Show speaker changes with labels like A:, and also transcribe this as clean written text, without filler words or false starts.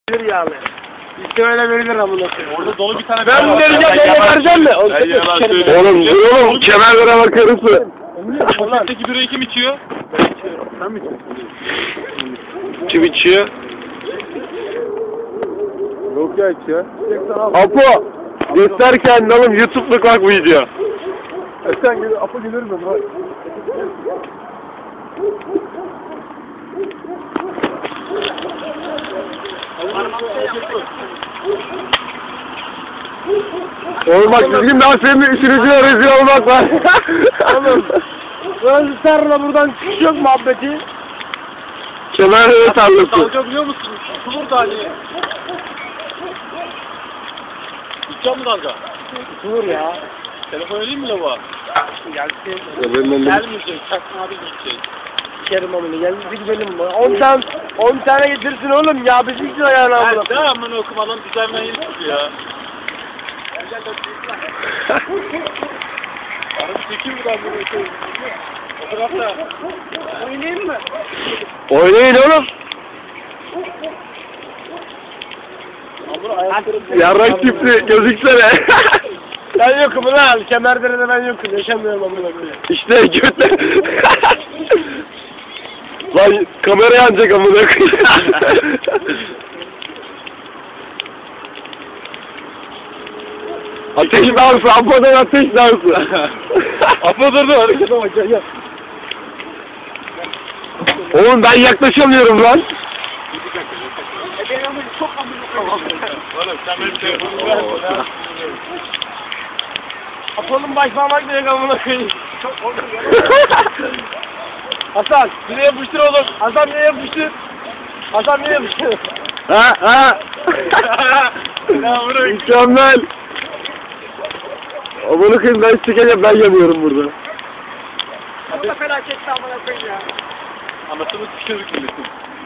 A: Yağlı. İşte öyle verilir amına koyayım.
B: Orada dolu bir tane
A: Ben bu vereceğim, ben vereceğim mi?
C: Oğlum kemerlere bakarız.
B: Poşetteki böreği kim içiyor?
A: Ben içiyorum. Sen mi içiyorsun?
C: Kim içiyor?
A: Yok ya içiyor.
C: Apo! Göster kendini oğlum, YouTube'luk bak bu video.
A: Sen gel, Apo gelir mi? Bak.
C: Oğlum bak düzgün daha senin işinizle rezil olmak var.
A: Oğlum. Böyle sarla buradan çıkış yok muhabbeti.
C: Kemerlere tarlasın.
B: Dalga biliyor musun? Tutulur da hani. İçiyor mu dalga?
A: Dur ya.
B: Telefon edeyim mi lavuğa?
A: Gelsin.
B: Gelmeyecek. Çakma abi gidecek.
A: Sikerim amına. Geldi gidelim. 10 tane getirsin oğlum ya. Bizim için ayağına amına.
B: Ben de amına okumadan düzenlen yeni çıkıyor ya. Arada çekeyim mi ben bunu? O tarafta.
A: Oynayayım mı?
C: Oynayın oğlum. Yarrak tipli gözüksene.
A: Ben yokum lan. Kemerdere'de ben yokum. Yaşamıyorum amına koyayım.
C: İşte götler. Lan kamera yanacak amına koyayım. Ateş dansı, Apo'dan ateş dansı.
B: Apo durdu harekete bak gel.
C: Oğlum ben yaklaşamıyorum lan.
A: Ben amına çok amına koyayım.
B: Oğlum sen benim telefonumu ver bana.
A: Apo'nun baş parmak direkt amına koyayım. Çok korktum ya. Hasan, nereye yapıştır oğlum? Hasan nereye yapıştır? Hasan nereye yapıştır?
C: Ha.
B: Ya bırak.
C: Mükemmel. Amına koyayım ben çıkacağım, ben yanıyorum burada.
A: Bu da felaket amına koyayım ya.
B: Anasını sıkıştırdık milletin.